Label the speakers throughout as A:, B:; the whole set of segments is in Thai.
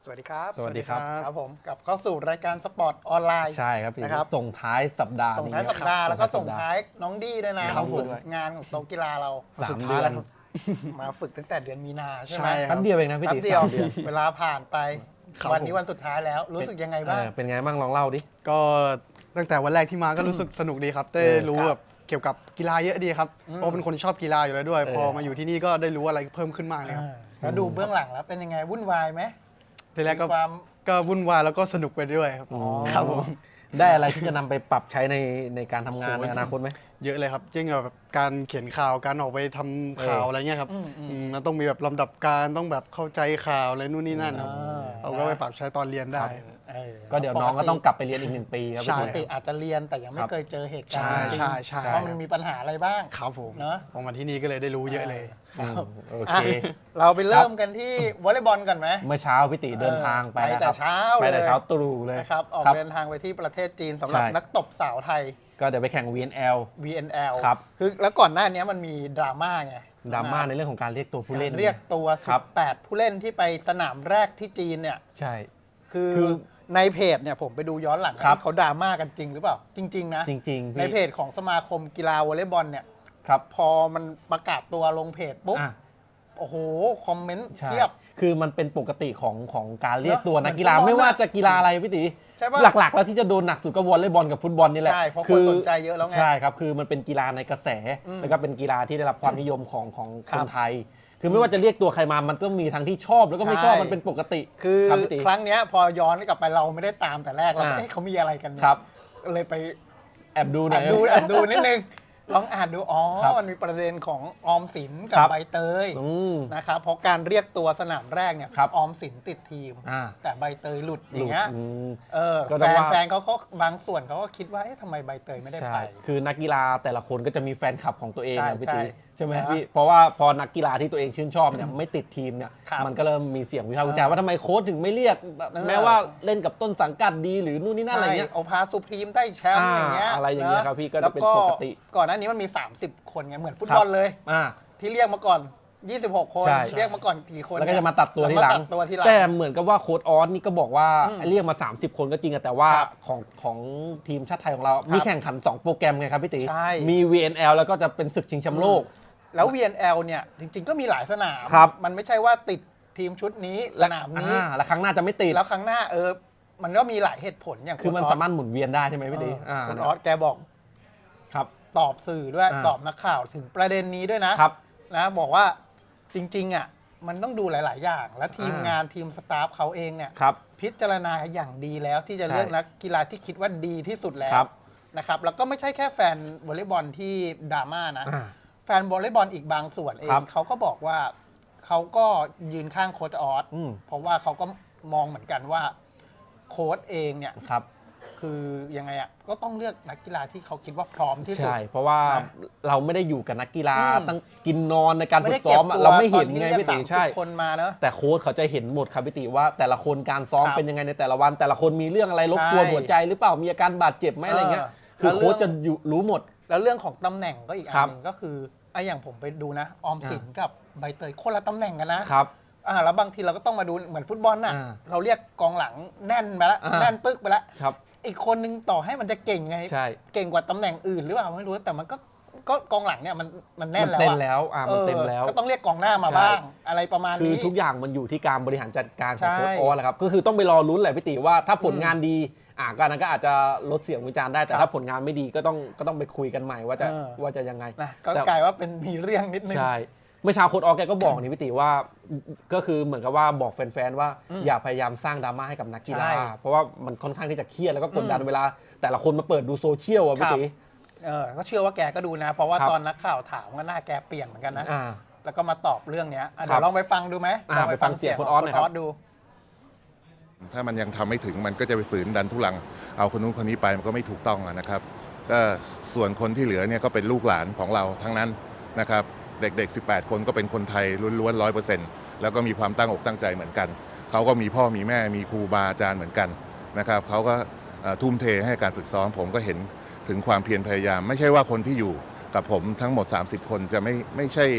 A: วัสดีครับ
B: สวัสดีครับ
A: ครับผมกลับเข้าสู่รายการสปอร์ตออนไลน์
B: ใช่ครับพี่
A: นะครับ
B: ส่งท้ายสัปดาห์
A: ส่งท้ายสัปดาห์แล้วก็ส่งท้ายน้องดี้ด้วยนะ
B: ครับ
A: ฝึก
B: ผม
A: งานของโต๊ะกีฬาเรา
B: 3 เดือน
A: มาฝึกตั้งแต่เดือนมีนาใช่ไหม
C: ใช่ค
B: แป๊
C: รับบ
B: เดียวเองนะพี่
A: แป๊
B: ติ
A: บเดียว
B: 3 เดือน
A: เวลาผ่านไป
C: ครับ
A: วันนี้วันสุดท้ายแล้วรู้สึกยังไงบ้าง
B: เป็นไงบ้างลองเล่าดิ
C: ก็ตั้งแต่วันแรกที่มาก็รู้สึกสนุกดีครับได้รู้
A: ครับ
C: แบบเกี่ยวกับกีฬาเยอะดีครับเพราะเป็นคนที่ชอบกีฬาอยู่แล้วด้วย พอมาอยู่ที่นี่ก็ได้รู้อะไรเพิ่มขึ้นมากเลยครับ
A: แล้วดูเบื้องหลังแล้วเป็นยังไงวุ่นวายไหม
C: ทีแรกก็
A: มีความ
C: ก็วุ่นวายแล้วก็สนุกไปด้วยครับ
B: อ๋อ
C: ครับผม
B: ได้อะไรที่จะนำไปปรับใช้ในการทำงาน
C: โอ้
B: ใน
C: โห
B: อนาคตไหม
C: เยอะเลยครับยิ่งแบบการเขียนข่าวการออกไปทำข่าวอะไรเงี้ยครับมันต้องมีแบบลำดับการต้องแบบเข้าใจข่าวอะไรนู่นนี่นั่นครับเอาก็ไปปรับใช้ตอนเรียนได้
B: ก็เดี๋ยวน้องก็ต้องกลับไปเรียนอีก1 ปีครับ
C: ใช่
A: ปกติอาจจะเรียนแต่ยังไม่เคยเจอเหตุการณ์
C: ใช่
A: จริง
C: ใช่
A: ว่ามันมีปัญหาอะไรบ้าง
C: ครับผม
A: เนอะ
C: พอมาที่นี่ก็เลยได้รู้เยอะเลย
B: อืมโอ
A: อ่ะ
B: เค
A: เราไปเริ่มกันที่วอลเลย์บอลก่อนไหม
B: เมื่อเช้าพี่ติเดินทางไป
A: ไป
B: นะ
A: แต่
B: ครับ
A: เช้า
B: ไปแต่
A: เลย
B: เช้าตรู่เลย
A: นะครับออก
B: ครับ
A: เดินทางไปที่ประเทศจีนสำหรับ
B: ใช่
A: นักตบสาวไทย
B: ก็เดี๋ยวไปแข่ง VNL
A: VNL
B: ครับ
A: คือแล้วก่อนหน้านี้มันมีดราม่าไง
B: ดราม่าในเรื่องของการเรียกตัวผู้เล่น
A: การเรียกตัว
B: ครับ
A: 18 ผู้เล่นที่ไปสนามแรกที่จีนเนี่ย
B: ใช่
A: คือ
B: คือ
A: ในเพจเนี่ยผมไปดูย้อนหลัง
B: ครับ
A: เขาดราม่ากันจริงหรือเปล่า จริง ๆ นะ
B: จริงๆ
A: ใน
B: พี่
A: เพจของสมาคมกีฬาวอลเลย์บอลเนี่ย
B: ครับ
A: พอมันประกาศตัวลงเพจปุ๊บ
B: อ่ะ
A: โอ้โห คอมเมนต์
B: ใช่
A: เทียบ
B: คือมันเป็นปกติของการเรียกตัว
A: เนอะ
B: นักกีฬา
A: เหมือนฟุตบอล
B: ไม่ว่า
A: น่ะ
B: จะกีฬาอะไรพี่ติ
A: ใช่ปะ
B: หลักๆ แล้วที่จะโดนหนักสุดก็วอลเลย์บอลกับฟุตบอลนี่แหละ
A: ใช่เพราะคนสนใจเยอะแล้วไง
B: ใช่ครับคือมันเป็นกีฬาในกระแส แล้วก็เป็นกีฬาที่ได้รับความนิยมของค
A: ครั
B: น
A: บ
B: ไทย คือไม่ว่าจะเรียกตัวใครมามันต้องมีทั้งที่ชอบแล้วก็ไม่ชอบ
A: ใช่
B: มันเป็นปกติ
A: คือ
B: รับพี่ติ
A: ครั้งเนี้ยพอย้อนกลับไปเราไม่ได้ตามแต่แรกเราก็
B: อ่า
A: เอ๊ะเขามีอะไรกันเนี่ย
B: ครับ
A: เลยไป
B: แอบดูหน่อย
A: แอบดูนิดนึง ลองอ่านดูอ๋อ
B: ครับ
A: มันมีประเด็นของออมสินกั
B: ครับ บ
A: ใบเตย
B: อืม
A: นะครับเพราะการเรียกตัวสนามแรกเนี่ย
B: ครับ
A: ออมสินติดทีม
B: อ่า
A: แต่ใบเตยหลุดอย่างเงี้ย
B: อืม ก็
A: แฟ
B: ต้อง
A: น
B: ว่า
A: แฟนเขาก็บางส่วนเขาก็คิดว่าเอ๊ะทำไมใบเตยไม่ได้
B: ใช่
A: ไป
B: คือนักกีฬาแต่ละคนก็จะมีแฟนคลับของตัวเอง
A: ใช่
B: นะพี่ติ
A: ใช่
B: ใช่ไหม
A: นะ
B: พี่เพราะว่าพอนักกีฬาที่ตัวเองชื่นชอบเนี่ยไม่ติดทีมเนี่ย
A: ครับ
B: มันก็เริ่มมีเสียงวิพากษ์วิจารณ์ว่าทำไมโค้ชถึงไม่เรียก แม้ว่าเล่นกับต้นสังกัดดีหรือนู่นนี่นั่นอะไรเงี้ย
A: ใช่เอาพาสุพรีมได้แชมป์อย่างเงี้ย
B: อะไรอย่างเงี้ย
A: นะครับ
B: พี่ก็จะเป็นปกติ
A: แล้วก่อนหน้านี้มันมี 30 คนไงเหมือนฟุตบอลเลย
B: อ่า
A: ที่เรียกมาก่อน 26 คน
B: ใช่
A: เรียกมาก่อนกี่คน
B: แล้วก็จะมาตัดตัวทีหลั
A: แว
B: ง
A: มาตัดตัวทีหลัง
B: แต่เหมือนกับว่าโค้ชออสนี่ก็บอกว่าเรียกมา 30 คนก็จริงอะแต่ว่า
A: ครับ
B: ของทีมชาติไทยของเรา มีแข่งขัน 2 โปรแกรมไงครับพี่ติ
A: ใช่
B: มี VNL แล้วก็จะเป็นศึกชิงแชมป์โลก
A: แล้ว VNL เนี่ยจริง ๆ ก็มีหลายสนาม
B: ครับ
A: มันไม่ใช่ว่าติดทีมชุดนี้สนามนี้
B: แล้วครั้งหน้าจะไม่ติด
A: แล้วครั้งหน้ามันก็มีหลายเหตุผลอย่าง
B: คือมัน
A: ณ
B: สามารถหมุนเวียนได้ใช่ไหมพี่ติ
A: คุณออสแกบอก
B: ครับ
A: ตอบสื่อด้วย
B: อ่า
A: ตอบนักข่าวถึงประเด็นนี้ด้วยนะครับ นะบอกว่าจริงๆอ่ะมันต้องดูหลาย ๆ อย่าง และทีมงานทีมสตาฟเขาเองเนี่ย
B: ครับ
A: พิจารณาอย่างดีแล้วที่จะ
B: ใช่
A: เลือกนักกีฬาที่คิดว่าดีที่สุดแล้
B: ครั
A: ว
B: บ
A: นะครับแล้วก็ไม่ใช่แค่แฟนวอลเลย์บอลที่ดราม่านะ
B: อ่า
A: แฟนวอลเลย์บอลอีกบางส่วนเอ
B: ครั
A: ง
B: บ
A: เขาก็บอกว่าเขาก็ยืนข้างโค้ชออส
B: อืม
A: เพราะว่าเขาก็มองเหมือนกันว่าโค้ชเองเนี่ย
B: ครับ
A: คือยังไงอ่ะก็ต้องเลือกนักกีฬาที่เขาคิดว่าพร้อมที่สุด
B: ใช่ เพราะว่า
A: นะ
B: เราไม่ได้อยู่กับนักกีฬา
A: อืม
B: ตั้งกินนอนในการ
A: ไม่
B: ฝึ
A: ได้
B: กซ้อมอะเราไม่เห็นไง
A: ตอ
B: พี่
A: ที่
B: ติ
A: เรียก
B: ใช่
A: 30 คนมาเนอะ
B: แต่โค้ชเขาจะเห็นหมดครับพี่ติว่าแต่ละคนการซ้อม
A: ครับ
B: เป็นยังไงในแต่ละวัน แต่ละคนมีเรื่องอะไรรบกวน
A: ใช่
B: หัวใจหรือเปล่ามีอาการบาดเจ็บไหมอะไรเงี้ย คือ
A: แล้ว
B: โค้ช
A: เรื่
B: จะ
A: อง
B: อยู่รู้หมด
A: แล้วเรื่องของตำแหน่งก็อีกอั
B: ครั
A: น
B: บ
A: หนึ่งก็คือไอ้อย่างผมไปดูนะ ออมสินกับใบเตยคนละตำแหน่งกันนะ
B: ครับ
A: แล้วบางทีเราก็ต้องมาดูเหมือนฟุตบอลน่ะ
B: อ่า
A: เราเรียกกองหลังแน่นไปแล้ว
B: อ่า
A: แน่นปึ๊กไปแล้ว
B: ครับ
A: อีกคนนึงต่อให้มันจะเก่งไง
B: ใช่
A: เก่งกว่าตำแหน่งอื่นหรือเปล่าไม่รู้แต่มันก็กองหลังเนี่ยมันแน่น
B: มัน
A: แล้ว
B: เต็ม
A: อะ
B: แล้วมันเต็มแล้ว
A: ก็ต้องเรียกกองหน้ามา
B: ใช่
A: บ้าง อะไรประมาณ
B: คือ
A: นี้
B: ทุกอย่างมันอยู่ที่การบริหารจัดการของ
A: ใช่
B: โค้ชออสแหละครับก็คือต้องไปรอลุ้นแหละพี่ติว่าถ้าผลงานดีก็อันนั้นก็อาจจะลดเสียงวิจารณ์ได้แต่
A: ครับ
B: ถ้าผลงานไม่ดีก็ต้องไปคุยกันใหม่ว่าจะ
A: เออ
B: ว่าจะยังไง
A: นะก็
B: แต่
A: กลายว่าเป็นมีเรื่องนิดนึง
B: ใช่เมื่อเช้าโค้ชออสแกก็บอกนี่พี่ติว่าก็คือเหมือนกับว่าบอกแฟนๆว่าอย่าพยายามสร้างดราม่าให้กับนักกีฬา
A: ใช่
B: เพราะว่ามันค่อนข้างที่จะเครียดแล้วก็กดดันเวลา แต่ละคนมาเปิดดูโซเชียลอ่ะพี่
A: ครับ
B: ติ
A: ก็เชื่อว่าแกก็ดูนะ เพราะว่า
B: ครับ
A: ตอนนักข่าวถามก็หน้าแกเปลี่ยนเหมือนกันนะ
B: อ่า
A: แล้วก็มาตอบเรื่องเนี้ยเดี๋
B: ครั
A: ย
B: บ
A: วลองไปฟังดูไหม
B: ลองไปฟังเสียงคุณออสหน่อยครับ
A: ดู
D: ถ้ามันยังทำไม่ถึงมันก็จะไปฝืนดันทุลังเอาคนนู้นคนนี้ไปมันก็ไม่ถูกต้องนะครับก็ส่วนคนที่เหลือเนี่ยก็เป็นลูกหลานของเราทั้งนั้นนะครับเด็กๆ 18 คนก็เป็นคนไทยล้วนๆ100%แล้วก็มีความตั้งอกตั้งใจเหมือนกันเขาก็มีพ่อมีแม่มีครูบาอาจารย์เหมือนกันนะครับเขาก็ทุ่มเทให้การฝึกซ้อมผมก็เห็นถึงความเพียรพยายาม ไม่ใช่ว่าคนที่อยู่กับผมทั้งหมด30 คนจะไม่ใช่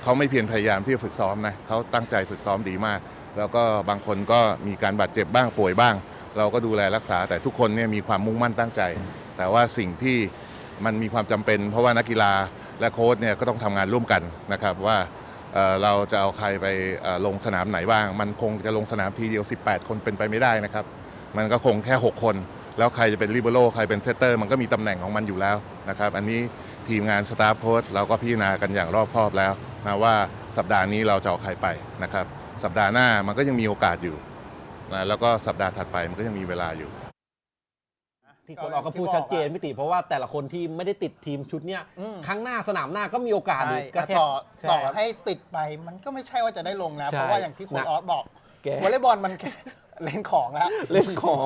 D: เขาไม่เพียรพยายามที่จะฝึกซ้อมนะเขาตั้งใจฝึกซ้อมดีมาก แล้วก็บางคนก็มีการบาดเจ็บบ้างป่วยบ้าง เราก็ดูแลรักษาแต่ทุกคนเนี่ยมีความมุ่งมั่นตั้งใจ แต่ว่าสิ่งที่มันมีความจำเป็นเพราะว่านักกีฬาและโค้ชเนี่ยก็ต้องทำงานร่วมกันนะครับว่าเราจะเอาใครไปลงสนามไหนบ้างมันคงจะลงสนามทีเดียว18 คนเป็นไปไม่ได้นะครับมันก็คงแค่6 คนแล้วใครจะเป็นลิเบโร่ใครเป็นเซตเตอร์มันก็มีตำแหน่งของมันอยู่แล้วนะครับอันนี้ทีมงานสตาฟโค้ชเราก็พิจารณากันอย่างรอบคอบแล้วนะว่าสัปดาห์นี้เราจะเอาใครไปนะครับสัปดาห์หน้ามันก็ยังมีโอกาสอยู่นะแล้วก็สัปดาห์ถัดไปมันก็ยังมีเวลาอยู่
B: ที่คนออกก็พูดชัดเจนพี่ติเพราะว่าแต่ละคนที่ไม่ได้ติดทีมชุดเนี้ยครั้งหน้าสนามหน้าก็มีโอกาสอีกก็แค่
A: ต่อให้ติดไปมันก็ไม่ใช่ว่าจะได้ลงนะเพราะว่าอย่างที่คุณออสบอกวอลเลย์บอลมันเล่นของแล้ว
B: เล่นของ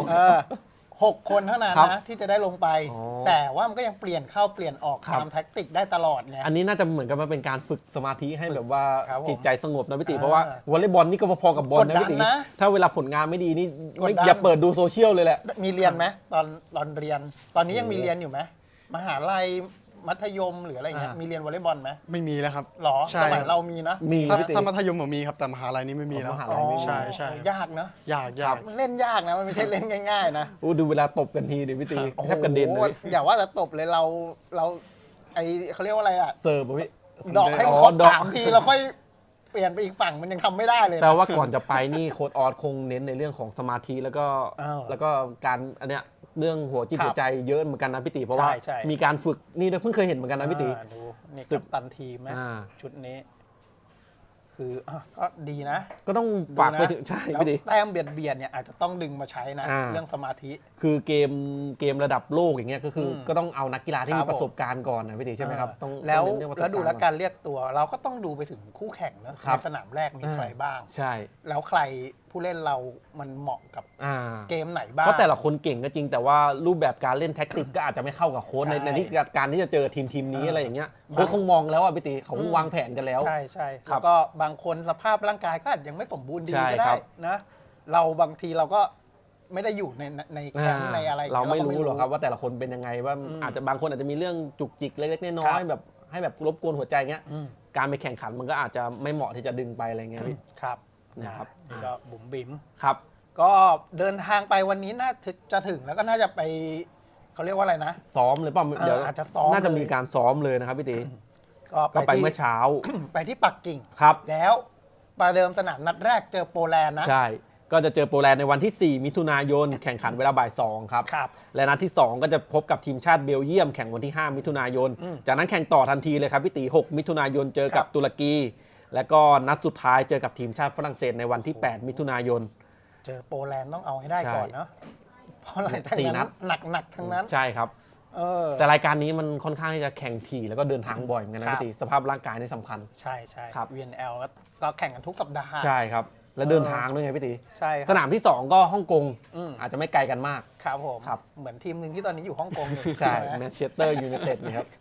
A: 6 คนเท่านั้นนะที่จะได้ลงไปแต่ว่ามันก็ยังเปลี่ยนเข้าเปลี่ยนออกตามแท็กติกได้ตลอดไง
B: อันนี้น่าจะเหมือนกับมันเป็นการฝึกสมาธิให้แบบว่าจิตใจสงบนะพี่ติเพราะว่าวอลเลย์บอลนี่ก็พอๆกับบอลนะพี่ติถ้าเวลาผลงานไม่ดีนี่อย่าเปิดดูโซเชียลเลยแหละ
A: มีเรียนไหมตอนเรียนตอนนี้ยังมีเรียนอยู่ไหมมหาลัยมัธยมหรืออะไรเงี้ยมีเรียนวอลเลย์บอลไหม
C: ไม่มีแล้วครับ
A: หรอสมัยเรามีนะ
C: ถ้ามัธยมผมมีครับแต่มหาลัยนี้ไม่มีแล้วใช่
A: ยากนะ
C: ยาก
A: เล่นยากนะมันไม่ใช่เล่นง่ายๆนะ
B: ดูเวลาตบกันทีเดี๋ยวพี่ตีแทบกระเด็นเลย
A: อย่าว่าแต่ตบเลยเราไอเขาเรียกว่าอะไรอะ
B: เสิร์ฟพี่
A: ดอกให้มันครบ3 ทีแล้วค่อยเปลี่ยนไปอีกฝั่งมันยังทำไม่ได้เลย
B: แต่ว่าก่อนจะไปนี่โค้ชออสคงเน้นในเรื่องของสมาธิแล้วก็การอันเนี้ยเรื่องหัวจิตหัวใจเยอะเหมือนกันนะพี่ตีเพราะว่ามีการฝึกนี่ด้วยเพิ่งเคยเห็นเหมือนกันนะพี่ตี
A: ดูนี่กัปตันทีมไหมชุดนี้คือก็ดีนะ
B: ก็ต้องฝากไปถึงใช่พี่ตี
A: แต้มเบียดเนี่ยอาจจะต้องดึงมาใช้นะเรื่องสมาธิ
B: คือเกมระดับโลกอย่างเงี้ยก็คือก็ต้องเอานักกีฬาที่มีประสบการณ์ก่อนนะพี่ตีใช่ไหมครับ
A: ต้องแล้วดูแลการเรียกตัวเราก็ต้องดูไปถึงคู่แข่งนะในสนามแรกมีใครบ้าง
B: ใช่
A: แล้วใครผู้เล่นเรามันเหมาะกับเกมไหนบ้าง
B: เพราะแต่ละคนเก่งก็จริงแต่ว่ารูปแบบการเล่นแท็กติกก็อาจจะไม่เข้ากับโค้ชในที่การที่จะเจอทีมนี้อะไรอย่างเงี้ยโค้ชคงมองแล้วอ่ะพี่ตีเขาวางแผนกันแล้ว
A: ใช่แล้วก็บางคนสภาพร่างกายก็อาจยังไม่สมบูรณ์ดีก็ได้นะเราบางทีเราก็ไม่ได้อยู่ในแคมป์ในอะไร
B: เราไม่รู้หรอกครับว่าแต่ละคนเป็นยังไงว่าอาจจะบางคนอาจจะมีเรื่องจุกจิกเล็กๆน้อยๆแบบให้แบบรบกวนหัวใจเงี้ยการไปแข่งขันมันก็อาจจะไม่เหมาะที่จะดึงไปอะไรเงี้ย
A: ครับนะครับนี่ก็บุ๋มบิ๋ม
B: ครับ
A: ก็เดินทางไปวันนี้น่าจะถึงแล้วก็น่าจะไปเขาเรียกว่าอะไรนะ
B: ซ้อมหรือเปล่าเดี๋ยว
A: อาจจะซ้อม
B: น่าจะมีการซ้อมเลยนะครับพี่ตี
A: ก็
B: ไปเมื่อเช้า
A: ไปที่ปักกิ่ง
B: ครับ
A: แล้วประเดิมสนามนัดแรกเจอโปแลนด์นะ
B: ใช่ก็จะเจอโปแลนด์ในวันที่4 มิถุนายนแข่งขันเวลาบ่าย 2ครับและนัดที่2ก็จะพบกับทีมชาติเบลเยียมแข่งวันที่5 มิถุนายนจากนั้นแข่งต่อทันทีเลยครับพี่ตี6 มิถุนายนเจอกับตุรกีแล้วก็นัดสุดท้ายเจอกับทีมชาติฝรั่งเศสในวันที่8 มิถุนายน
A: เจอโปแลนด์ต้องเอาให้ได้ก่อนเนาะเพราะอะไรทั้งนั้นหนักทั้งนั้น
B: ใช่ครับแต่รายการนี้มันค่อนข้างที่จะแข่งถี่แล้วก็เดินทางบ่อยเหมือนกันนะพี่ตีสภาพร่างกายนี่สำคัญ
A: ใช่ครับ VNL ก็แข่งกันทุกสัปดาห์
B: ใช่ครับแล้วเดินทางด้วยไงพี่ตี
A: ใช่
B: สนามที่2ก็ฮ่องกงอาจจะไม่ไกลกันมาก
A: ครับผมเหมือนทีมหนึ่งที่ตอนนี้อยู่ฮ่องกงอยู่
B: ใช่แมนเชสเตอร์ยูไนเต็ดนี่ครับ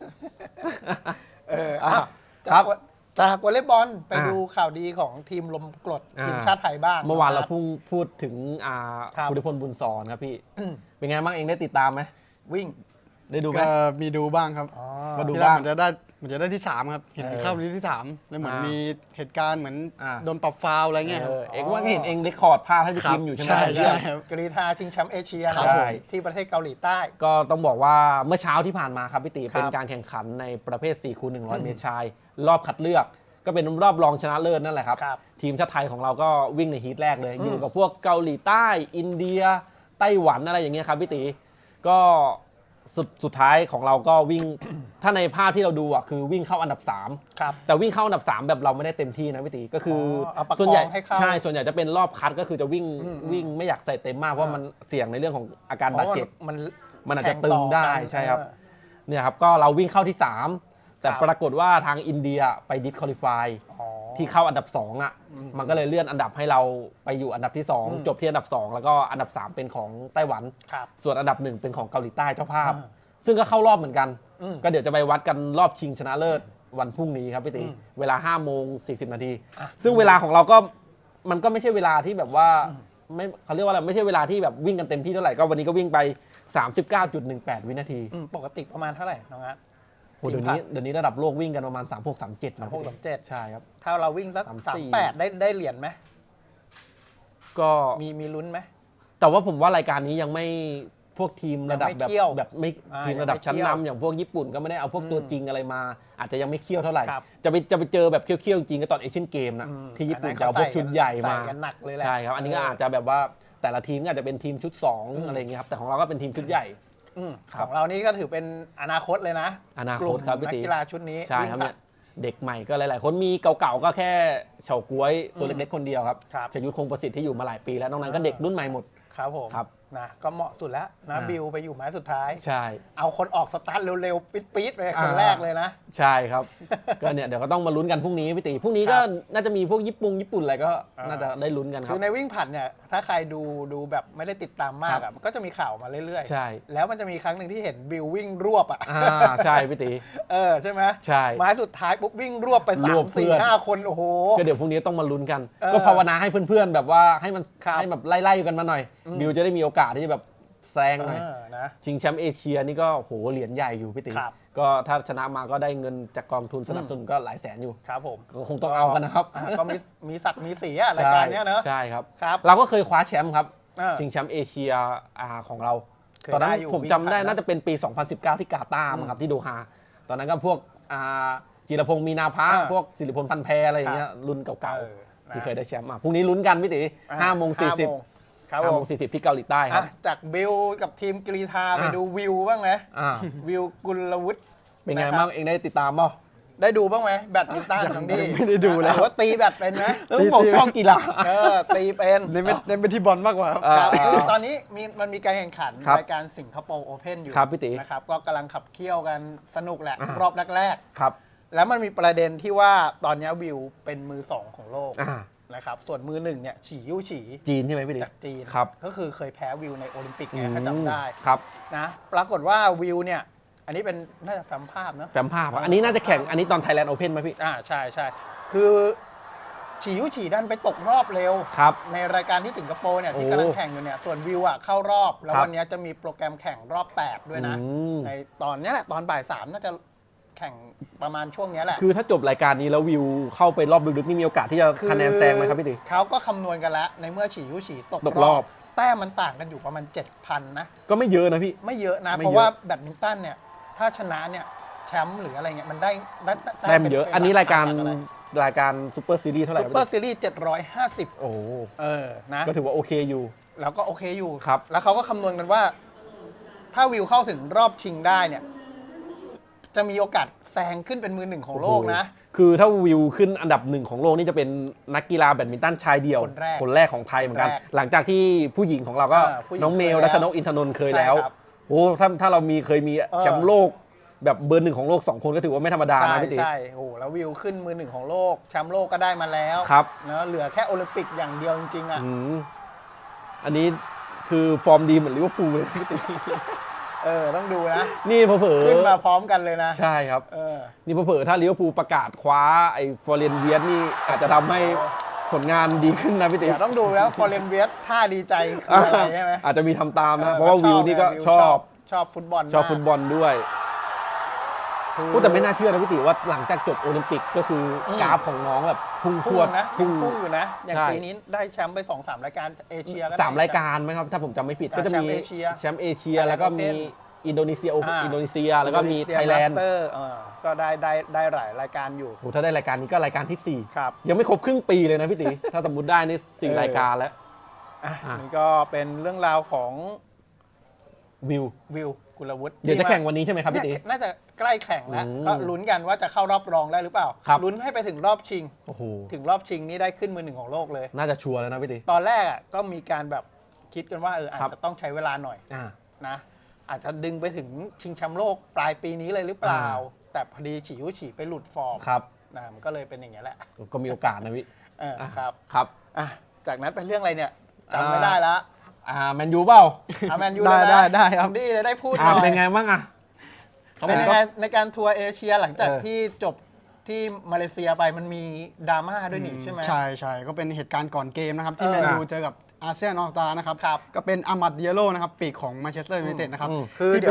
A: จากวอลเลย์บอลไปดูข่าวดีของทีมลมกรดทีมชาติไทยบ้าง
B: เมื่อวานเราพูดถึงภูริพลบุญสอนครับพี่เป็นไงบ้างเองได้ติดตามไหม
A: วิ่ง
C: ได้ดูไหมก็มีดูบ้างครับ
B: มาดูบ้าง
C: มันจะได้ที่3ครับเห็นเข้าที่3แล้วเหมือนมีเหตุการณ์เหมือนโดนปรับฟาวอะไรเงี้ย
B: เองว่าเห็นเองเรคคอร์ดภาพให้พี่ทีมอยู่ใช่ไหม
C: ใช่ครับ
A: กรีฑาชิงแชมป์เอเชียที่ประเทศเกาหลีใต้
B: ก็ต้องบอกว่าเมื่อเช้าที่ผ่านมาครับพี่ตีเป็นการแข่งขันในประเภท4x100 เมตรชายรอบคัดเลือกก็เป็นรอบรองชนะเลิศนั่นแหละครับทีมชาติไทยของเราก็วิ่งในฮีทแรกเลยอยู่กับพวกเกาหลีใต้อินเดียไต้หวันอะไรอย่างเงี้ยครับพี่ตีก็สุดท้ายของเราก็วิ่ง ถ้าในภาพที่เราดูอ่ะคือวิ่งเข้าอันดับ3แต่วิ่งเข้าอันดับ3แบบเราไม่ได้เต็มที่นะพี่ตีก็คือส่วนใหญ่ใช่ส่วนใหญ่จะเป็นรอบคัดก็คือจะวิ่งไม่อยากใส่เต็มมากเพราะมันเสี่ยงในเรื่องของอาการบาดเจ็บมันอาจจะตึงได้ใช่ครับเนี่ยครับก็เราวิ่งเข้าที่3แต่ปรากฏว่าทางอินเดียไปดิสควอลิฟายที่เข้าอันดับ2อ่ะมันก็เลยเลื่อนอันดับให้เราไปอยู่อันดับที่2จบที่อันดับ2แล้วก็อันดับ3เป็นของไต้หวันส่วนอันดับ1เป็นของเกาหลีใต้เจ้าภาพซึ่งก็เข้ารอบเหมือนกันก็เดี๋ยวจะไปวัดกันรอบชิงชนะเลิศวันพรุ่งนี้ครับพี่ตีเวลา 5:40 น.ซึ่งเวลาของเราก็มันก็ไม่ใช่เวลาที่แบบว่าไม่เขาเรียกว่าอะไรไม่ใช่เวลาที่แบบวิ่งกันเต็มที่เท่าไหร่ก็วันนี้ก็วิ่งไป 39.18 วินาที
A: ปกติประมาณเท่าไหร่น้องอาร์ต
B: โหเดี๋ยวนี้ระดับโลกวิ่งกันประมาณ 36-37 นะ
A: 36-37
B: ใช่ครับ
A: ถ้าเราวิ่งสัก
B: 34
A: 38ได้เหรียญไหม
B: ก็
A: มีลุ้นไหม
B: แต่ว่าผมว่ารายการนี้ยังไม่พวกทีมระดับ
A: ยังไม่เคี่ยว
B: แบบไม่ ทีมระดับชั้นนำอย่างพวกญี่ปุ่นก็ไม่ได้เอาพวกตัวจริงอะไรมา อาจจะยังไม่เคี่ยวเท่าไหร่
A: ครับ
B: จะไปเจอแบบเคี่ยวๆจริงก็ตอนเอเชียนเกมนะที่ญี่ปุ่นจะเอาพวกชุดใหญ่มา
A: ใส่กันหนักเลยแหละ
B: ใช่ครับอันนี้ก็อาจจะแบบว่าแต่ละทีมก็อาจจะเป็นทีมชุด2อะไรเงี้ยครับแต่ของเราก็เป็นทีมชุดใหญ่ ค
A: ข
B: รับ
A: องเรานี่ก็ถือเป็นอนาคตเลยนะ
B: อนาคต
A: กลุ่ม
B: ครับพี่
A: นัก
B: ตี
A: กีฬาชุดนี้
B: ใช่ครับเนี่ยเด็กใหม่ก็หลายๆ คนมีเก่าๆก็แค่เฉาก๊วยตัวเล็กๆคนเดียวครับ
A: ครับ
B: ชยุทธคงประสิทธิ์ที่อยู่มาหลายปีแล้วนอกนั้นก็เด็กรุ่นใหม่หมด
A: ครับผม
B: ครับ
A: นะก็เหมาะสุดแล้วนะบิวไปอยู่ไม้สุดท้าย
B: ใช่
A: เอาคนออกสตาร์ทเร็วๆปี๊ดๆไปคนแรกเลยนะ
B: ใช่ครับ ก็เนี่ยเดี๋ยวก็ต้องมาลุ้นกันพรุ่งนี้พี่ตีพรุ่งนี้ก็น่าจะมีพวกญี่ปุ่นอะไรก็น่าจะได้ลุ้นกันค
A: คื
B: รับ
A: อในวิ่งผลัดเนี่ยถ้าใครดูแบบไม่ได้ติดตามมาก
B: ครั
A: อ่ะ
B: บ
A: มันก็จะมีข่าวมาเรื่อย
B: ใช่
A: แล้วมันจะมีครั้งหนึ่งที่เห็นบิววิ่งรวบอ่ะ
B: ใช่พี่ตี
A: ใช่ไหม
B: ใช่
A: ไม้สุดท้ายปุ๊บวิ่งรวบไป
B: รวบเพื่อน
A: 3-4-5 คนโอ้โห
B: ก็เดี๋ยวพรุ่งนี้ต้องมาลุ้นกัน
A: เออ
B: ก็ภาวนาให้เพื่อนๆแบบว่าให้มัน
A: ครับ
B: ให้แบบไล่ๆกันมาหน่อยบิวจะได้มีโอกาสที่จะแบบแซงหน่อย
A: นะ
B: ชิงแชมป์เอเชียนี่ก็โหเหรียญใหญ่อยู่พี่ตี
A: ครับ
B: ก็ถ้าชนะมาก็ได้เงินจากกองทุนสนับสนุนก็หลายแสนอยู่
A: ครับผม
B: ก็คงต้องเอากันนะครับ
A: ก็มีสัตว์มีสีอะรายการเนี้ยเนอะ
B: ใช่ครับ
A: ครับ
B: เราก็เคยคว้าแชมป์ครับ
A: อ่า
B: ชิงแชมป์เอเชียของเรา
A: เคย
B: ตอนนั้น
A: ได้อยู่
B: ผมจำได้
A: วิ่งผ่านนะ
B: น่าจะเป็นปี 2019 ที่กาตาร์มั้งครับที่โดฮาตอนนั้นก็พวกจิรพงศ์มีนาภาพวกสิริพลพันธ์แพรอะไรอย่างเงี้ยรุ่นเก่า
A: เออ
B: ๆ
A: นะ
B: ที่เคยได้แชมป์พรุ่งนี้ลุ้นกันพี่ตี5:40
A: ครับ
B: 5
A: ผ
B: โม
A: ม
B: ง 40 ที่เกาหลีใต้ครับ
A: จากบิลกับทีมกรีธาไป
B: อ่ะ
A: ดูวิวบ้างไหม
B: อ่า
A: วิวกุลวุฒิ
B: เป็นไง
A: นะครับ
B: บ้างเองได้ติดตามป่ะ
A: ได้ดูบ้างไหมแบดมินตันของดี
C: ไม่ได้ดูแล้ว
A: หรือว่าตีแบดเป็นไหม
B: แล้วบอกชอบกีฬา
A: ตีเป็น
C: เน้นไปที่บอลมากกว่าครับ
A: ครับ
B: อ่า
A: คือตอนนี้มันมีการแข่งขัน
B: ครับ
A: รายการสิงคโปร์โอเพ่นอยู่
B: ครับพี่ตี
A: นะครับก็กำลังขับเคี่ยวกันสนุกแหละ
B: อ่าร
A: อบแรก
B: ครับ
A: ๆแล้วมันมีประเด็นที่ว่าตอนนี้วิวเป็นมือ 2 ของโลก
B: อ่า
A: นะครับส่วนมือ 1เนี่ยฉี่ยู่ฉี่
B: จีนใช่ไหมพี่ตี
A: จากจีน
B: ครับ
A: ก็คือเคยแพ้วิวในโอลิมปิกไงถ้าจำได้
B: ครับ
A: นะปรากฏว่าวิวเนี่ยอันนี้เป็นน่าจะแฟ้มภาพเนอะ
B: แฟมภาพอันนี้น่าจะแข่งอันนี้ตอน Thailand Open ไหมพี่
A: ใช่ใช่คือฉี่ยุฉี่ดันไปตกรอบเร็ว
B: ครับ
A: ในรายการที่สิงคโปร์เนี่ยที่
B: โอ้
A: กำลังแข่งอยู่เนี่ยส่วนวิวอ่ะเข้ารอบ แล้ว
B: ครับ
A: วันนี้จะมีโปรแกรมแข่งรอบ 8 ด้วยนะ
B: อืม
A: ในตอนเนี้ยแหละตอนบ่าย 3 น่าจะแข่งประมาณช่วงเนี้ยแหละ
B: คือถ้าจบรายการนี้แล้ววิวเข้าไปรอบลึกๆนี่มีโอกาสที่จะคะแนนแซงไหมครับพี่ตี
A: เขาก็คำนวณกันแล้ว ในเมื่อฉี่ยุฉี่ตก
B: ตกรอบ
A: แต้มมันต่างกันอยู่ประมาณ 7,000 นะ
B: ก็ไม่เยอะนะพี่
A: ไม่เยอะนะ
B: ไม่
A: เพราะ
B: เยอะ
A: ว่าแบดมินตันเนี่ยถ้าชนะเนี่ยแชมป์หรืออะไรเงี้ยมันได้
B: แต้มเยอะ อันนี้รายการ
A: อะไร
B: รายการซูเปอร์ซีรีส์เท่าไหร่
A: ซุป
B: ครับ
A: เปอร์
B: พี่
A: ซีรีส์750
B: โอ้โห
A: นะ
B: ก็ถือว่าโอเคอยู่
A: แล้วก็โอเคอยู่
B: ครับ
A: แล้วเขาก็คำนวณกันว่า ถ้าวิวเข้าถึงรอบชิงได้เนี่ย จะมีโอกาสแซงขึ้นเป็นมือ 1 ของโลกนะ
B: คือถ้าวิวขึ้นอันดับ 1 ของโลกนี่จะเป็นนักกีฬาแบดมินตันชายเดี่ยว
A: คนแรก
B: ของไทยเหมือนกัน
A: คนแรก
B: หลังจากที่ผู้หญิงของเราก็
A: ผู้หญิง
B: น้องเมล
A: เคยแล้ว
B: รัชนกอินทนนท์เคยแล้ว
A: ใช่ครับ
B: โอ้ถ้าเราเคยมีแชมป์โลกแบบเบอร์ 1ของโลก 2 คนก็ถือว่าไม่ธรรมดา
A: ใช่
B: นะพี่ตี
A: ใช่โอ้โหแล้ววิวขึ้นมือ 1 ของโลกแชมป์โลกก็ได้มาแล้ว
B: ครับ
A: เนอะเหลือแค่โอลิมปิกอย่างเดียวจริงๆอ่ะ
B: อืมอันนี้คือฟอร์มดีเหมือนลิเวอร์พูลเลยพี่ตี
A: ต้องดูนะ
B: นี่เผลอๆ
A: ขึ้นมาพร้อมกันเลยนะ
B: ใช่ครับ
A: เออ
B: นี่เผลอๆถ้าลิเวอร์พูลประกาศคว้าไอ้ฟอร์เรนเวียสนี่อาจจะทำให้ผลงานดีขึ้นนะพี่ตี
A: เดี๋ยวต้องดูแล้วฟอร์เรนเวียสท่าดีใจคืออะไรใช่ไหม
B: อาจจะมีทำตามนะ เพราะว่าวิวนี่ก็ชอบ
A: ชอบฟุตบอล
B: ชอบฟุตบอลด้วย
A: คือ
B: พูดแต่ไม่น่าเชื่อนะพี่ติว่าหลังจากจบโอลิมปิกก็คือกราฟของน้องแบบพุ่งพ
A: พุ่
B: รว
A: ง
B: ด
A: นะ
B: พุ่ง
A: พุ่งอยู่นะ อย่าง
B: ใช่
A: ปีนี้ได้แชมป์ไป 2-3 รายการเอเชียก็ได้
B: 3 รายการไหมครับถ้าผมจำไม่ผิด
A: อ่า
B: ก็จะมี
A: แชมป์เอเชีย
B: แชมป์เอเชียแล้วก็มีอินโดนีเซียแล้วก็มีไทยแลนด์
A: มาสเตอร์ก็ได้หลายรายการอยู่
B: โอ้ถ้าได้รายการนี้ก็รายการที่
A: ครับ
B: 4 ยังไม่ครบครึ่งปีเลยนะพี่ติ ถ้าสมมติได้นี่4 รายการแล้ว
A: นี่ก็เป็นเรื่องราวของ
B: วิว
A: วิวกุลวุฒิ
B: เดี๋ยวจะแข่งวันนี้ใช่ไหมครับพี่ติ
A: เนี่ยน่าจะใกล้แข่งแล้ว
B: อืม
A: ก็ลุ้นกันว่าจะเข้ารอบรองได้หรือเปล่า
B: ครับ
A: ลุ้นให้ไปถึงรอบชิง
B: โอ้โห
A: ถึงรอบชิงนี่ได้ขึ้นมือ 1 ของโลกเลย
B: น่าจะชัวร์แล้วนะพี่ติ
A: ตอนแรกก็มีการแบบคิดกันว่าอาจ
B: ครับ
A: จะต้องใช้เวลาหน่อย
B: อ่า
A: นะอาจจะดึงไปถึงชิงแชมป์โลกปลายปีนี้เลยหรือเปล่า แต่พอดีฉี่ยุฉี่ไปหลุดฟอร์ม
B: ครับ
A: มันก็เลยเป็นอย่างนี้ยแหละ
B: ก็มีโอกาสนะพี่
A: ครับ
B: ครับ
A: จากนั้นเป็นเรื่องอะไรเนี่ยจำไม่ได้ละ
B: แมนยูเปล่า
A: แมนยูเลยนะ
C: ได้ครับ
A: ดีเลยได้พูดหน่อย
B: เป็นไงบ้างอ่ะ
A: เป็นยังไงในการทัวร์เอเชียหลังจาก
B: เออ
A: ที่จบที่มาเลเซียไปมันมีดราม่าด้วยนี่ใช่ไหม
C: ใช่ใช่ก็เป็นเหตุการณ์ก่อนเกมนะครับที่
A: เออ
C: แมนยูเจอกับอาเซียนออกตานะครับ
A: ครับ
C: ก็เป็นอามัดเดียโลนะครับปีกของแมนเชสเตอร์ยูไนเต็ดนะครับ
B: อืม
A: คือเดี๋ยว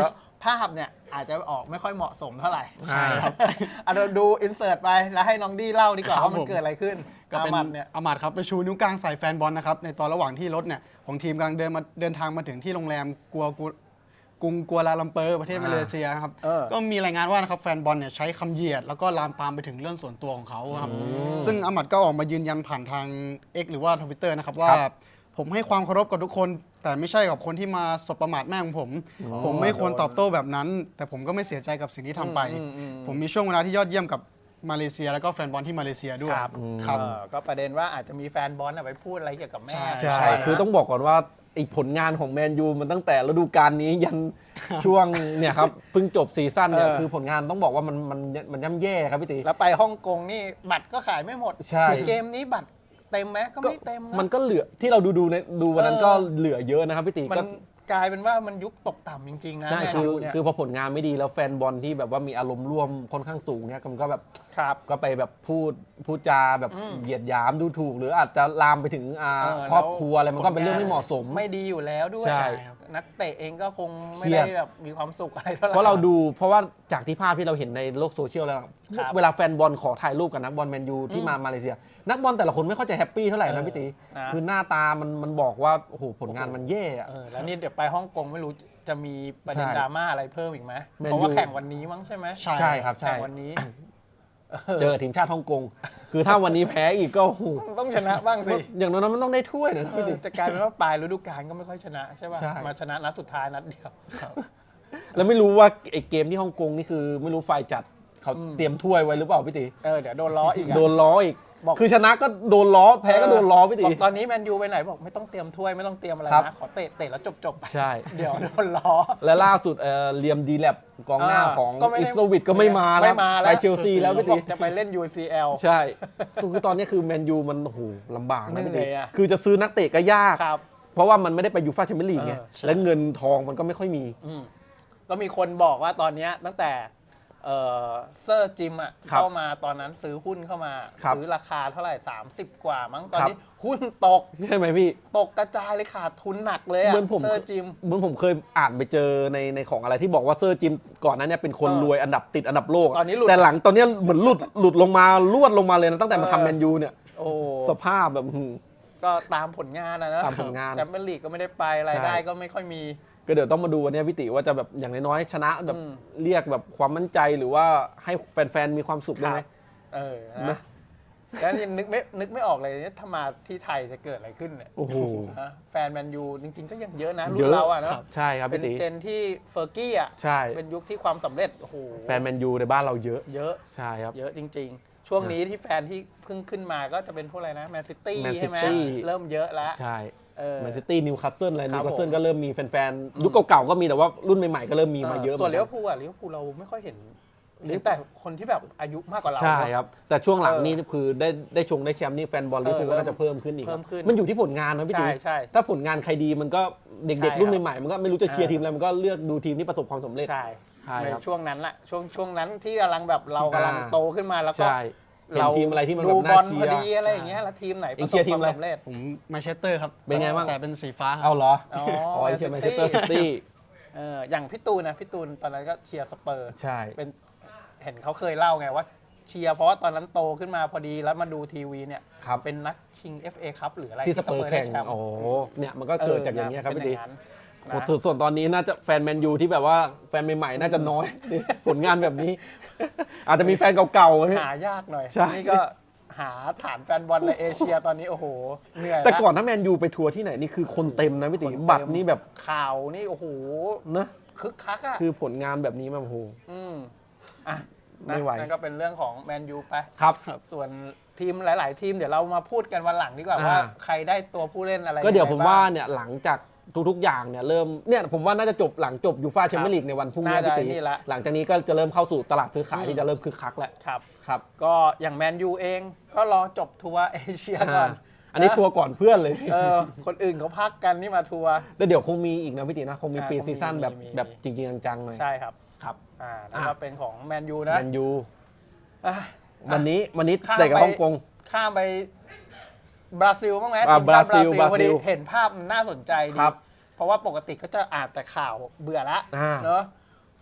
A: ภาพเนี่ยอาจจะออกไม่ค่อยเหมาะสมเท่าไหร่
C: ใช่ครับ
A: เราดูอินเสิร์ตไปแล้วให้น้องดี้เล่าดีกว่า
C: ครับ
A: ว่ามัน
C: ผม
A: เกิดอะไรขึ้น
C: ก็เป็น
A: อามัดเนี่ย
C: อามัดครับไปชูนิ้วกลางใส่แฟนบอลนะครับในตอนระหว่างที่รถเนี่ยของทีมกำลังเดินทางมาถึงที่โรงแรมกรุงกัวลาลัมเปอร์ประเทศมาเลเซียครับ ก็มีรายงานว่านะครับแฟนบอลเนี่ยใช้คำเหยียดแล้วก็ลามปามไปถึงเรื่องส่วนตัวของเขาครับซึ่งอามัดก็ออกมายืนยันผ่านทาง X หรือว่า Twitter นะครับว่าผมให้ความเคารพกับทุกคน แต่ไม่ใช่กับคนที่มาสบประมาทแม่ของผม ผมไม่ควรตอบโต้แบบนั้น แต่ผมก็ไม่เสียใจกับสิ่งที่ทำไป ผมมีช่วงเวลาที่ยอดเยี่ยมกับมาเลเซียแล้วก็แฟนบอลที่มาเลเซียด้วย
A: ครับ
C: ครับ
A: ก็ประเด็นว่าอาจจะมีแฟนบอลไปพูดอะไรเกี่ยวกับแม่
C: ใช่
B: ใช่ คือต้องบอกก่อนว่าไอ้ผลงานของแมนยูมันตั้งแต่ฤดูกาลนี้ยันช่วงเนี่ยครับเพิ่งจบซีซั่นเนี่ยคือผลงานต้องบอกว่ามันย่ำแย่ครับพี่ตี
A: แล้วไปฮ่องกงนี่บัตรก็ขายไม่หมด
B: ใช่
A: เกมนี้บัตรเต็มไหมก็ไม่เต็มนะ
B: มันก็เหลือที่เราดูวันนั้นก็เหลือเยอะนะครับพี่ตี
A: มั
B: ก็
A: นกลายเป็นว่ามันยุคตกต่ำจริง ๆ นะ
B: ใช่
A: แมน
B: คือ
A: ยูเนี่ย
B: คือพอผลงานไม่ดีแล้วแฟนบอลที่แบบว่ามีอารมณ์ร่วมค่อนข้างสูงเนี่ยมันก็แบบ
A: ครับ
B: ก็ไปแบบพูดจาแบบเหยียดหยามดูถูก หรืออาจจะลามไปถึงครอบครัวอะไรมันก็เป็นเรื่องไม่เหมาะสม
A: ไม่ดีอยู่แล้วด้วย
B: ใช่
A: นักเตะเองก็คงไม่
B: เครีย
A: ได้
B: ด
A: แบบมีความสุขอะไรเท่าไหร่
B: เพราะว่าจากที่ภาพที่เราเห็นในโลกโซเชียลแล้ว
A: ครับ
B: เวลาแฟนบอลขอถ่ายรูปกับนักบอลแมนยูที่มาเลเซีย นักบอลแต่ละคนไม่ค่อยจะแฮปปี้เท่าไหร่นะพี่ตี
A: นะ
B: คือหน้าตามันบอกว่าโอ้โหผลงานมันแย่อะ
A: แล้วนี่เดี๋ยวไปฮ่องกงไม่รู้จะมีประเด็น
B: ใช่
A: ดราม่าอะไรเพิ่มอีกไหม
B: แมนยู
A: เพราะว่าแข่งวันนี้มั้งใช่ไหม
B: ใช่ครับใช่
A: แข่งวันนี้
B: เจอทีมชาติฮ่องกงคือถ้าวันนี้แพ้อีกก็โอ้โห
A: ต้องชนะบ้างสิ
B: อย่างน้อยมันต้องได้ถ้วยนะพี่ตี
A: จะกลายเป็นว่าปลายฤดูกาลก็ไม่ค่อยชนะใช่ป่ะ
B: ใช่
A: มาชนะนัดสุดท้ายนัดเดียว
B: แล้วไม่รู้ว่าไอ้เกมที่ฮ่องกงนี่คือไม่รู้ฝ่ายจัดเขาเตรียมถ้วยไว้หรือเปล่าพี่ตี
A: เดี๋ยวโดนล้ออีกอะ
B: โดนล้ออีก
A: บอก
B: คือชนะก็โดนล้อแพ้ก็โดนล้อพี่ตี
A: บอกตอนนี้แมนยูไปไหนบอกไม่ต้องเตรียมถ้วยไม่ต้องเตรียมอะไร
B: ครับ
A: นะขอเตะแล้วจบไป
B: ใช่
A: เดี๋ยวโดนล้อ
B: และล่าสุดเลียมดีแลบกองหน้าของ
A: ก็ไม่
B: อิ
A: ได้
B: สวิตก็ไม่มาแล้ว
A: ไม่มาแล้ว
B: ไปเชลซีแล้วพี่
A: บ
B: ตี
A: อกจะไปเล่น UCL
B: ใช่คือตอนนี้คือแมนยูมันโอ้โหลำบากนะพี่
A: เหนื่
B: ตี
A: อยอะ
B: คือจะซื้อนักเตะก็ยาก
A: ครับ
B: เพราะว่ามันไม่ได้ไปยูฟ่าแชมเปี้ยนลีกไง
A: ใช่
B: และเงินทองมันก็ไม่ค่อยมี
A: ก็มีคนบอกว่าตอนเนี้ยตั้งแต่เซอร์จิม
B: ครับ
A: เข้ามาตอนนั้นซื้อหุ้นเข้ามา
B: ครับ
A: ซื้อราคาเท่าไหร่ 30 กว่ามั้งตอน
B: ครับ
A: นี้หุ้นตก
B: ใช่ไหมพี่
A: ตกกระจายเลยขาดทุนหนักเลยอะ
B: เหมือนผม
A: เซอร์จิม
B: เคยอ่านไปเจอในของอะไรที่บอกว่าเซอร์จิมก่อนนั้นเนี่ยเป็นคนรวยอันดับโลกะ
A: ตอนนี้หลุด
B: แต่หลังตอนเนี้ยเหมือนหลุดลงมาลวดลงมาเลยนะตั้งแต่มาทำแมนยูเนี่ย
A: โอ้
B: สภาพแบบ
A: ก็ตามผลงานนะ
B: ตามผลงาน
A: แชมเปี้ยนลีกก็ไม่ได้ไปรายได้ก็ไม่ค่อยมี
B: ก็เดี๋ยวต้องมาดูวันนี้พี่ติว่าจะแบบอย่างน้อยๆชนะแบบเรียกแบบความมั่นใจหรือว่าให้แฟนๆมีความสุขได้ไหม
A: นะ แล้วยังนึกไม่ออกเลยเนี่ยถ้ามาที่ไทยจะเกิดอะไรขึ้นเนี่ย
B: โอ้โห
A: นะแฟนแมนยูจริงๆก็ยังเยอะนะรุ่
B: เย
A: น
B: อะ
A: เราอะเนอะ
B: ใช่ครับ
A: เป็น
B: พี่ติ
A: เจนที่เฟอร์กี้อะ
B: ใช่
A: เป็นยุคที่ความสำเร็จโอ้โห
B: แฟนแมนยูในบ้านเราเยอะ
A: เยอะ
B: ใช่ครับ
A: เยอะจริง ๆ ช่วงนี้ที่แฟนที่เพิ่งขึ้นมาก็จะเป็นพวกอะไรนะแมนซิตี้
B: Man
A: ใช่ไหม
B: City
A: เริ่มเยอะแล้ว
B: ใช่
A: แม
B: แมนซิตี้นิวคาสเซิลอะไร
A: ครั
B: นิ
A: บ
B: วคาสเซิล
A: ผม
B: ก็เริ่มมีแฟนๆยุคเก่าๆก็มีแต่ว่ารุ่นใหม่ๆก็เริ่มมีมาเยอะ
A: ส่วน
B: ห
A: เลี้
B: มื
A: ย
B: อ
A: วน พูลอะเลี้ยวภูลเราไม่ค่อยเห็นเลี้ยงแต่คนที่แบบอายุมากกว่าเรา
B: ใช่ครับ แต่ช่วงหลัง
A: เออ
B: นี่คือได้แชมป์นี่แฟนบอลลิเวอร์พูลก็น่าจะเพิ่มขึ้นอีก
A: เพิ่มขึ้น
B: มันอยู่ที่ผลงานนะพี่ตี
A: ใช่
B: ถ้าผลงานใครดีมันก็เด็ก
A: ใช่
B: ๆรุ่น
A: ครับ
B: ใหม่ๆมันก็ไม่รู้จะเชียร์ทีมอะไรมันก็เลือกดูทีมที่ประสบความสำเร็จ
A: ใช่
B: ใช่ครับ
A: ในช่วงนั้นแหละช่วงนั้นที่กำลังแบบเรากำลังโตขึ้นมาแล้วก็
B: ใช่เห็นทีมอะไรที่มันแบ
A: ดู
B: บบ น่า
A: อล
B: เชี
A: พอย
B: ร์
A: ดีอะไรอย่างเงี้ยแล้วทีมไหน
B: เอ็งเชียร์ทีมอะไร
A: ปสบควาสำเร็จ
C: ผมแมนเชสเตอร์ครับ
B: เป็นไงบ้าง
C: แต่เป็นสีฟ้าครับ
B: เอาเหรอ
A: อ๋อ
B: ไอ้เชียร์แมนเชสเตอร์ซิตี้
A: อย่างพี่ตูนตอนนั้นก็เชียร์สเปอร์
B: ใช่
A: เป็นเห็นเขาเคยเล่าไงว่าเชียร์เพราะว่าตอนนั้นโตขึ้นมาพอดีแล้วมาดูทีวีเนี่ย
B: ครับ
A: เป็นนัดชิง FA คัพหรืออะไร
B: ที่สเปอร์
A: ได้
B: แข่ง
A: ชมป์
B: โอ้โหเนี่ยมันก็เกิดจากอย่างเงี้ยครับ
A: เป็น
B: พี่
A: อ
B: ตี
A: ย่างนั้น
B: โอ้
A: นะ
B: ส่วนตอนนี้น่าจะแฟนแมนยูที่แบบว่าแฟนใหม่ๆน่าจะน้อย ผลงานแบบนี้ อาจจะมีแฟนเก่าๆไหม
A: หายากหน่อย
B: ใช่
A: นี่ก็หาฐานแฟนบอลในเอเชียตอนนี้โอ้โหเหนื่อย
B: แต่
A: ละ
B: ก่อนถ้าแมนยูไปทัวร์ที่ไหนนี่คือคนเต็มนะพี่ตี
A: คนเต็ม
B: บัตรนี่แบบ
A: ข่าวนี่โอ้โห
B: นะ
A: คึกคักอ่ะ
B: คือผลงานแบบนี้แบบโอ้โห
A: อ่ะ
B: ไม่ไหว
A: นั่นก็เป็นเรื่องของแมนยูไป
B: ครับ
A: ส่วนทีมหลาย ๆ ทีมเดี๋ยวเรามาพูดกันวันหลังดีกว่าว่าใครได้ตัวผู้เล่นอะไร
B: ก็เดี๋ยว
A: ง
B: ผม
A: ไงบ้ง
B: ว่าเนี่ยหลังจากทุกๆอย่างเนี่ยเริ่มเนี่ยผมว่าน่าจะจบหลังจบยูฟ่าแชมเปี้ยนลีกในวันพรุ่งนี้
A: น่าจะ
B: พี่ตี
A: นี่ละ
B: หลังจากนี้ก็จะเริ่มเข้าสู่ตลาดซื้อขายที่จะเริ่มคึกคักแล้ว
A: ครับ
B: ครับ
A: ก็อย่างแมนยูเองก็รอจบทัวร์เอเชียก่อน
B: อันนี้ทัวร์ก่อนเพื่อนเลย
A: คนอื่นเขาพักกันนี่มาทัวร์
B: แต่เดี๋ยวคงมีอีกนะพี่ตีนะคงมี
A: อ่า
B: ปี
A: คงมี
B: ซีซั่นแบบ
A: มี
B: แบบจริงๆจังๆหน่อย
A: ใช่ครับ
B: ครับ
A: นั่นก็เป็นของแมนยูนะ
B: แมนยู
A: อ่ะ
B: วันนี้
A: ข้าม
B: เตะกับ
A: ไป
B: ฮ่องกง
A: ข้ามไปบราซิลบ้างไหม
B: อ่า
A: ทีมชาติ
B: บราซิล
A: พอดีเห็นภาพมันน่าสนใจดี
B: ครับ
A: เพราะว่าปกติก็จะอ่านแต่ข่าวเบื่อละ
B: อ่า
A: เนอะ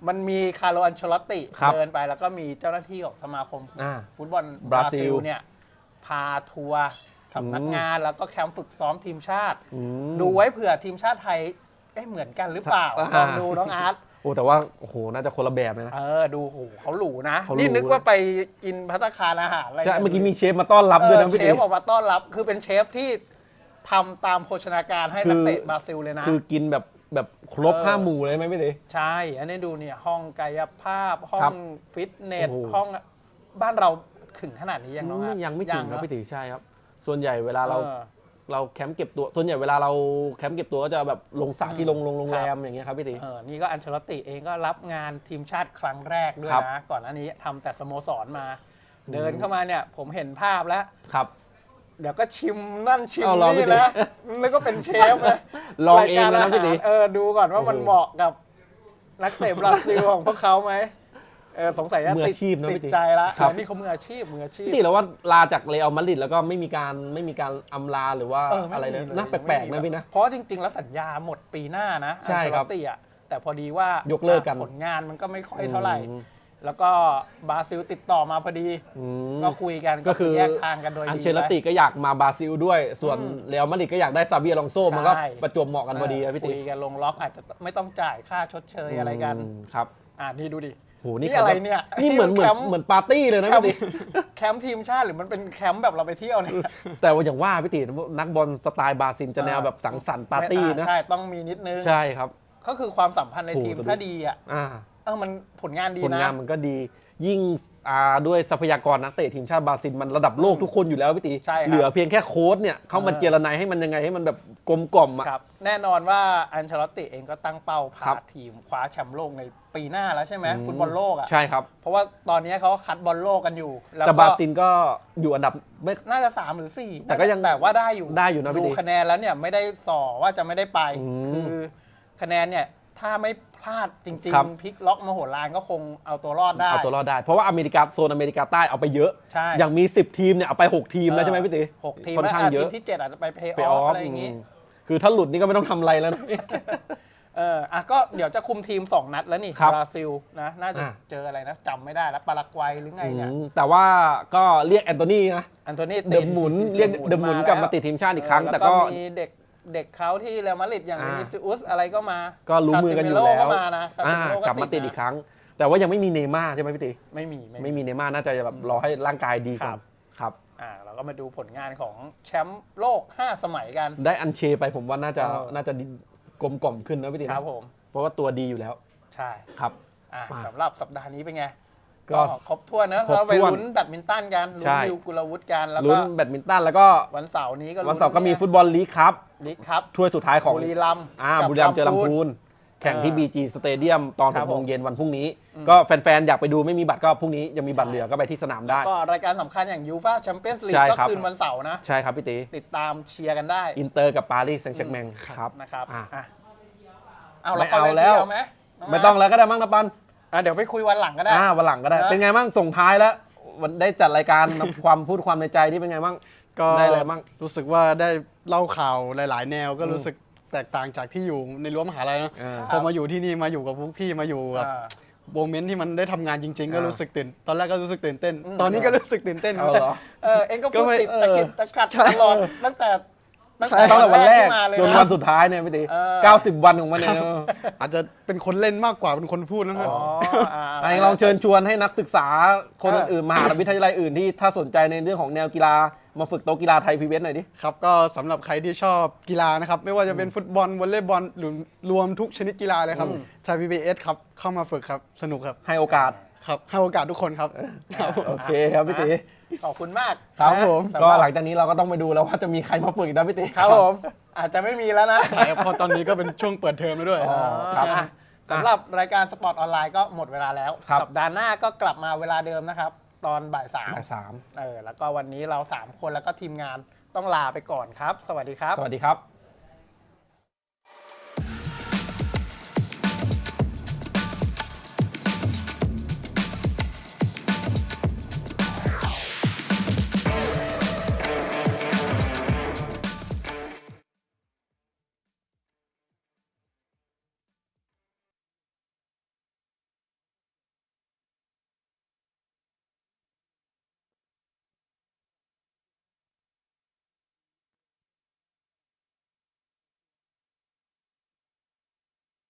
A: มันมีคาร์โล อันเชลอตติ
B: ครับ
A: เดินไปแล้วก็มีเจ้าหน้าที่ของสมาคม ฟุตบอล
B: บบ รา
A: รา
B: ซิ
A: ซิ
B: ล
A: ลเนี่ยพาทัวร์สำนักงานแล้วก็แคมป์ฝึกซ้อมทีมชาติ ดูไว้เผื่อทีมชาติไทยเหมือนกันหรือเปล่าลองดูน้องอาร์ต
B: โอ้แต่ว่าโอ้โหน่าจะคนละแบบเลยนะ
A: ดูโหเขาหรูนะ
B: เขาหรู
A: นี่นึกว่าไปกินภัตตาคารอาหารอะไร
B: ใช่เมื่อกี้มีเชฟมาต้อนรับด้วยนะพี่
A: เช
B: ตี
A: ฟออกมาต้อนรับคือเป็นเชฟที่ทำตามโภชนาการให้นักเตะบราซิลเลยนะ
B: คือกินแบบครบ5 หมู่เลยไหมพี่ตี
A: ใช่ อันนี้ดูเนี่ยห้องกายภาพ ห้อ
B: ครั
A: ง
B: บ
A: ฟิตเนส
B: โอ้โห
A: ห้องบ้านเราถึงขนาดนี้ยังน้อง
B: ยังไม่ถึงครับ
A: เนอะ
B: พี่ตีใช่ครับ ส่วนใหญ่เวลาเรา
A: เออ
B: เราแคมป์เก็บตัวส่วนใหญ่เวลาเราแคมป์เก็บตัวก็จะแบบลงสระที่โรงแรมอย่างเงี้ยครับพี่ตี
A: นี่ก็อันเชลอตติเองก็รับงานทีมชาติครั้งแรกด้วย
B: ครับ
A: นะ ก่อนหน้านี้ทำแต่สโมสรมา เดินเข้ามาเนี่ยผมเห็นภาพแล้ว
B: ครับ
A: เดี๋ยวก็ชิมนั่นชิม
B: เอาลอง
A: นี่
B: ไปดิ
A: นะแล้วก็เป็นเชฟนะ
B: ลองเอง
A: รายการ
B: เลยนะ
A: อา
B: พี่
A: หาร
B: ตี
A: ดูก่อนว่ามัน
B: โอ้โห
A: เหมาะกับนักเตะบราซิลของพวกเขาไหมสงสัยจะ
B: มืออาชีพนะ
A: ติ
B: พี่
A: ด
B: ตี
A: ใจละ
B: ครับ
A: นี่เขามืออาชีพ
B: พี่ตีแล้วว่าลาจากเรอัลมาดริดแล้วก็ไม่มีการอำลาหรือว่า
A: ม่
B: อะไรเลย
A: มี
B: นะแปลกๆนะพี่นะ
A: เพราะจริง ๆ แล้วสัญญาหมดปีหน้านะ
B: ใช่ครับ
A: อันเชลอตติอ่ะแต่พอดีว่าย
B: กเลิกกัน
A: ผลงานมันก็ไม่ค่อยเท่าไหร่
B: อืม
A: แล้วก็บราซิลติดต่อมาพอดี ก็คุยกัน
B: ก็คือ
A: แยกทางกันโดยดี
B: อันเชลติก็อยากมาบราซิลด้วย ส่วนเรอัลมาดริดก็อยากได้ซาบีอลองโซมันก็
A: ใช่
B: ประจวบเหมาะกันพอดีนะพี่ตี
A: คุยกันลงล็อกอาจจะไม่ต้องจ่ายค่าชดเชยอะไรกัน
B: ครับ
A: นี่ดูดิ
B: โหนี่
A: นี่อะไรเนี่ย
B: นี่เหมือน
A: แคมป์
B: ปาร์ตี้เลยนะ
A: แคม
B: พี่
A: ป์
B: ตี
A: แคมป์ทีมชาติหรือมันเป็นแคมป์แบบเราไปเที่ยวเนี่ย
B: แต่ว่าอย่างว่าพี่ตีนักบอลสไตล์บราซิลจะแนวแบบสังสรรค์ปาร์ตี้นะ
A: ใช่ต้องมีนิดนึง
B: ใช่ครับ
A: ก็คือความสัมพันธ์ในทีม
B: โอ้โห
A: ถ้าดีอ่ะ มันผลงานดี
B: ผล
A: นะ
B: งานมันก็ดียิ่งด้วยทรัพยากรนักเตะทีมชาติบราซิลมันระดับโลกทุกคนอยู่แล้วพี่ตี
A: ใช่ครับ
B: เหลือเพียงแค่โค้ชเนี่ยเขามาเจรนายให้มันยังไงให้มันแบบกลมกล่อมอ่ะ
A: ครับแน่นอนว่าอันเชลอตติเองก็ตั้งเป้า
B: ครั
A: พา
B: บ
A: ทีมคว้าแชมป์โลกในปีหน้าแล้วใช่ไหมฟุตบอลโลกอ่ะ
B: ใช่ครับ
A: เพราะว่าตอนนี้เขาคัดบอลโลกกันอยู่แล้ว
B: แต่บราซิลก็อยู่อันดับไม่
A: น่าจะ3หรือ4
B: แต่ก็ยัง
A: แต่ว่าได้อยู่
B: ได้อยู่นะพี่
A: ดู
B: ตี
A: คะแนนแล้วเนี่ยไม่ได้ส่อว่าจะไม่ได้ไป
B: อืม
A: คือคะแนนเนี่ยถ้าไม่พลาดจริง
B: ครับ
A: ๆพลิกล็อกมโหฬารก็คงเอาตัวรอดได้
B: เอาตัวรอดได้ เพราะว่าโซนอเมริกาใต้เอาไปเยอะ
A: ใช่
B: อย่างมี10 ทีมเนี่ยเอาไป6 ทีมแล้วใช่ไหมพี่ตี
A: 6 ทีม
B: ค่อนข้างเยอะ
A: ทีมที่ 7 อาจจะไปเพย์อ
B: ไป
A: อ
B: อ
A: ฟ
B: อฟ
A: อะไรอย่างงี้
B: คือถ้าหลุดนี่ก็ไม่ต้องทำอะไรแล้วนะ
A: ก็เดี๋ยวจะคุมทีม 2 นัดแล้วนี่
B: ครับ
A: บราซิลนะน่าจะ
B: อ่ะ
A: เจออะไรนะจำไม่ได้แล้วปารากวัยหรือไงเนี่ย
B: แต่ว่าก็เรียกแอนโทนีนะ
A: อันโทนี่
B: เดอะหมุนเรียกเดอะหมุนกลับมาติดทีมชาติอีกครั้ง แต่ก็
A: มีเด็กเขาที่เรอัลมาดริดอย่าง
B: อ่า
A: วินิซิอุสอะไรก็มา
B: ก็รู้มือกันอยู่แล้ว
A: คาซิเมโร่ก็มานะคาซิเมโร่
B: กลับมาติดอีกครั้ง แต่ว่ายังไม่มีเนย์ม่าร์ใช่ไหมพี่ตี
A: ไม่มี
B: ไม่มีเนย์ม่าร์น่าจะแบบรอให้ร่างกายดีก่อนครับ
A: เราก็มาดูผลงานของแชมป์โลก 5 สมัยกัน
B: ได้อันเชไปผมว่าน่าจะกลมกล่อมขึ้นนะพี่ตี
A: ครับผม
B: เพราะว่าตัวดีอยู่แล้ว
A: ใช่
B: ครับ มา
A: สำหรับสัปดาห์นี้เป็นไง
B: ก็
A: ก็ครบถ้วนนะ
B: ครบ
A: เราไป
B: ถ้วน
A: ลุ้นแบดมินตันกันลุ้
B: ใช่
A: นวิวกุลวุฒิกันแล้ว
B: ลุ้
A: ก็
B: นแบดมินตันแล้วก็
A: วันเสาร์นี้ก็
B: วันเสาร์ก็มีฟุตบอลลีกครับ
A: ลีกครับ
B: ถ้วยสุดท้ายของ
A: บุรีรัมย์กับ
B: บุรีรัมย์เจอลำพูนแข่งที่ BG Stadium ตอน
A: ครับ
B: 6โมง
A: ผม
B: เย็นวันพรุ่งนี้ ก็แฟนๆ อยากไปดูไม่มีบัตรก็พรุ่งนี้ยังมีบัตรเหลือก็ไปที่สนามได้
A: ก็รายการสำคัญอย่างยูฟ่าแชมเปี้ยนส์ลีก
B: ใช่
A: ก็
B: ครับ
A: คืนวันเสาร์นะ
B: ใช่ครับพี่ตี
A: ติดตามเชียร์กันได้
B: อินเตอร์กับปารีสแซงต์แชร์กแมงครับ
A: นะครับ
B: อ่ะ
A: เอา
B: ไม่
A: เข้
B: เอาแล้ว
A: เที่ยไหมน้
B: ไม่ต้องแล้วก็ได้มั้งนะปัน
A: เดี๋ยวไปคุยวันหลังก็ได้
B: วันหลังก็ได้
A: นะ
B: เป็นไงบ้างส่งท้ายแล้ววันได้จัดรายการ ความพูดความในใจที่เป็นไงบ้าง
C: ก็
B: ได้อะไรบ้าง
C: รู้สึกว่าได้เล่าข่าวหลาย ๆ แนวก็รู้สึกแตกต่างจากที่อยู่ในรั้วมหาลัยเนอะ พอมาอยู่ที่นี่มาอยู่กับพวกพี่มาอยู่กับโมเมนต์ที่มันได้ทำงานจริง ๆ ก็รู้สึกตื่นตอนแรกก็รู้สึกตื่นเต้น ตอนนี้ก็รู้สึกตื่นเต้น
B: เอาเหรอ
A: เองก็
C: ก็
A: พูด
C: ไม่
A: ติดตะกิดตะกัดตลอดตั้งแต่
B: ตั้งแต่วันแรก
A: ที่มาเลย
B: จน
A: นะ
B: วันสุดท้ายเนี่ยพี่ตี 90 วันของมันเนี่ย
C: อาจจะเป็นคนเล่นมากกว่าเป็นคนพูดนะครับ
B: ไอ้ลองเชิญชวนให้นักศึกษาคนอื่นๆมหาวิทยาลัยอื่นที่ถ้าสนใจในเรื่องของแนวกีฬามาฝึกโต๊ะกีฬาไทยพีวีเอสหน่อยดิ
C: ครับก็สำหรับใครที่ชอบกีฬานะครับไม่ว่าจะเป็นฟุตบอลวอลเลย์บอลหรือรวมทุกชนิดกีฬาเลยครับไทย PBS ครับเข้ามาฝึกครับสนุกครับ
B: ให้โอกาส
C: ครับให้โอกาสทุกคนครับครับ
B: โอเคครับพี่ตี
A: ขอบคุณมาก
B: ครับ
A: นะ
B: ผม
A: สำ
B: ก็
A: รับ
B: หลังจากนี้เราก็ต้องไปดูแล้วว่าจะมีใครมาฝึกอีกนะพี่ตี
A: ครับผมอาจจะไม่มีแล้วนะ
C: เพราะตอนนี้ก็เป็นช่วงเปิดเทอมแล้วด้วย
A: ครับสำหรับรายการสปอร์ตออนไลน์ก็หมดเวลาแล้ว
B: ครับ
A: สัปดาห์หน้าก็กลับมาเวลาเดิมนะครับ ตอนบ่าย
B: บ่าย
A: 3แล้วก็วันนี้เรา 3 คนแล้วก็ทีมงานต้องลาไปก่อนครับ สวัสดีครับ
B: สวัสดีครับ